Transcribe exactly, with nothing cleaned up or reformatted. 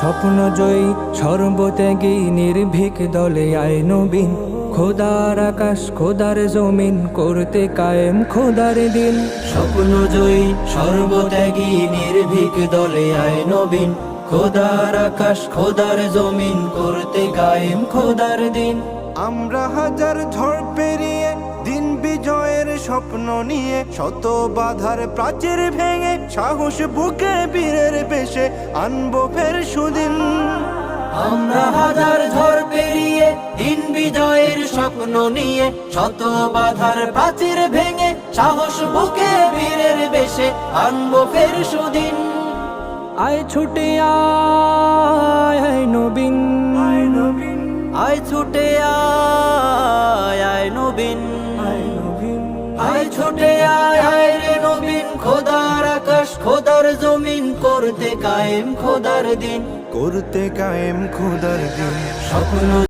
স্বপ্ন জয়ী সর্বত্যাগী নির্ভীক দলে আয় নবীন। খোদার আকাশ খোদার জমিন করতে কায়েম খোদার দিন। স্বপ্ন জয়ী সর্বত্যাগী নির্ভীক দলে আয় নবীন। খোদার আকাশ খোদার জমিন করতে কায়েম খোদার দিন। আমরা হাজার ঝড় পেরিয়ে দিন বিজয়ের স্বপ্ন নিয়ে, শত বাধার প্রাচীর ভেঙে সাহস বুকে বীরের বেশে আনবো ফের সুদিন। আমরা হাজার ঝড় পেরিয়ে দিন বিজয়ের স্বপ্ন নিয়ে, শত বাধার প্রাচীর ভেঙে সাহস বুকে বীরের বেশে আনবো ফের সুদিন। আয় ছুটে আয় আয় নবীন, আয় নবীন, আয় ছুটে আয় আয় নবীন, আয় নবীন। আয় ছুটে আয় আয় রে নবীন। খোদার আকাশ খোদার জমিন করতে কায়েম খোদার দিন। করতে কায়েম খোদার দিন। স্বপ্ন